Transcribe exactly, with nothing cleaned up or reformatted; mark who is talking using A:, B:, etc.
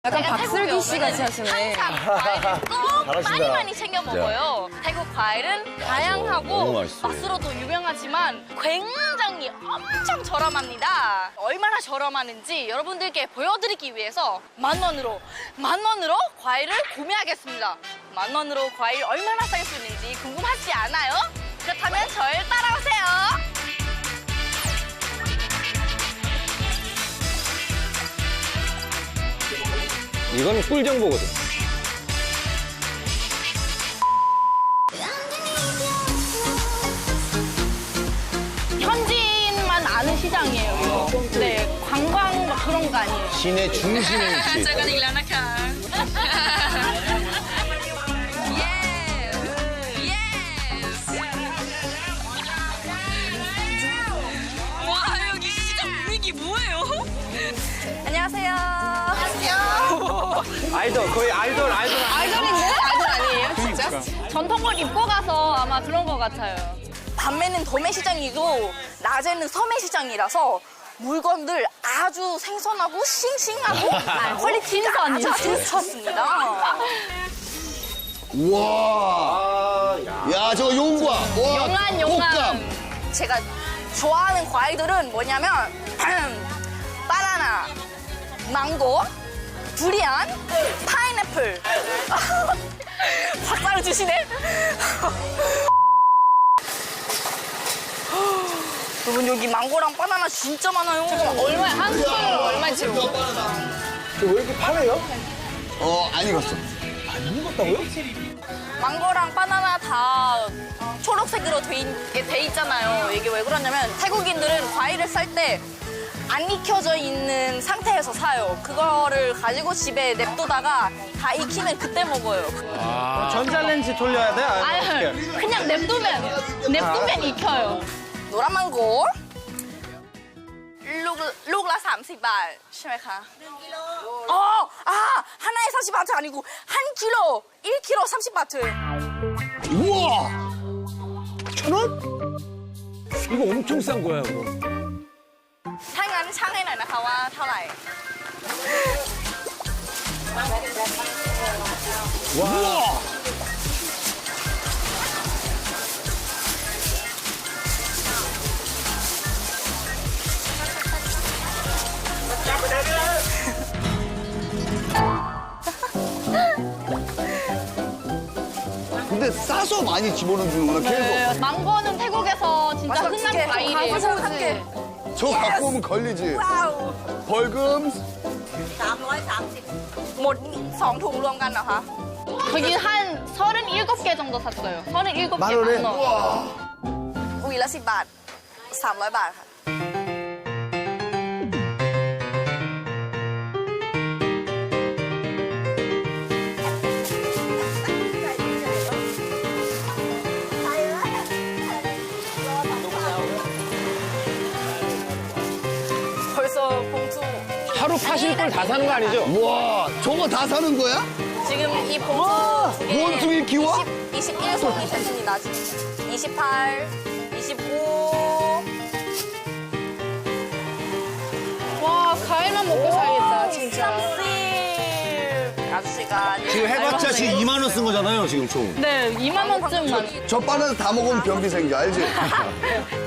A: 약간 박슬기 씨 같이 하시네.
B: 항상 과일을 꼭
C: 잘하신다.
B: 많이 많이 챙겨 먹어요. 태국 과일은 다양하고
C: 너무 맛있어요.
B: 맛으로도 유명하지만 굉장히 엄청 저렴합니다. 얼마나 저렴하는지 여러분들께 보여드리기 위해서 만 원으로 만 원으로 과일을 구매하겠습니다. 만 원으로 과일 얼마나 살 수 있는지 궁금하지 않아요? 그렇다면 저를 따라오세요.
D: 이거는 꿀 정보거든.
B: 현지인만 아는 시장이에요, 이거. 네, 관광 막 그런 거 아니에요.
C: 시내 중심에 위치.
B: เจอกันอีกแล้วนะคะ Yes Yes 와 여기 시장 분위기 뭐예요? 안녕하세요. 안녕하세요.
D: 아이돌, 거의 아이돌, 아이돌.
B: 아이돌인데? 아이돌 아니에요, 진짜? 전통을 입고 가서 아마 그런 것 같아요. 밤에는 도매시장이고 낮에는 서매시장이라서 물건들 아주 생선하고 싱싱하고 퀄리티가 아주 좋습니다.
C: 우와. 야, 저거 용과. 와,
B: 용안
C: 곶감.
B: 용안. 제가 좋아하는 과일들은 뭐냐면 바나나, 망고, 두리안, 파인애플. 박사를 주시네. 여러분 여기 망고랑 바나나 진짜 많아요. 얼마 한 킬로 얼마지?
D: 왜 이렇게 파래요?
C: 어, 안 익었어.
D: 안 익었다고요?
B: 망고랑 바나나 다 초록색으로 돼, 있, 돼 있잖아요. 이게 왜 그러냐면 태국인들은 과일을 살 때 안 익혀져 있는 상태에서 사요. 그거를 가지고 집에 냅두다가 다 익히면 그때 먹어요.
D: 전자레인지 돌려야 돼?
B: 아니,
D: 어떻게?
B: 그냥 냅두면 냅두면 익혀요. 노란 망고. ลูก ลูกละ 삼십 บาท ใช่ไหมคะ 어, 아, 하나에 사십 바트 아니고 한 킬로, 일 킬로 삼십 바트.
C: 우와.
D: 천 원? 이거 엄청 싼 거야, 그거.
B: ถ้างั้นช่างให้หน่อยนะคะว่าเท่าไหร่
C: 우와. 근데 싸서 많이 집어넣는구나, 계속.
B: 망고는 태국에서 진짜 흔한 과일이에요.
A: 한 개.
C: 저거 갖고 오면 걸리지.
B: 와우.
C: 벌금.
B: หมดสองถุงรวมกันเหรอคะ 거기 한 서른일곱 개 정도 샀어요. 서른일곱 개
C: 만 원에?
B: 만 원.
C: 우와.
B: หวีละสิบบาทสามร้อยบาทค่ะ 벌써 봉투
D: 하루 파실 걸 다 사는 거 아니죠?
C: 우와, 저거 다 사는 거야?
B: 지금 이 봉투 두 개.
C: 원숭이 키워?
B: 이십, 이십일 송이 됐습니다. 지금. 이십팔, 이십오. 와, 과일만 먹고 살겠다, 진짜. 삼십. 아저씨가.
C: 지금 해봤자 지금 이만 원 쓴 거잖아요, 지금 총.
B: 네, 이만 원쯤만.
C: 저 바나나 다 먹으면 변비 생겨, 알지?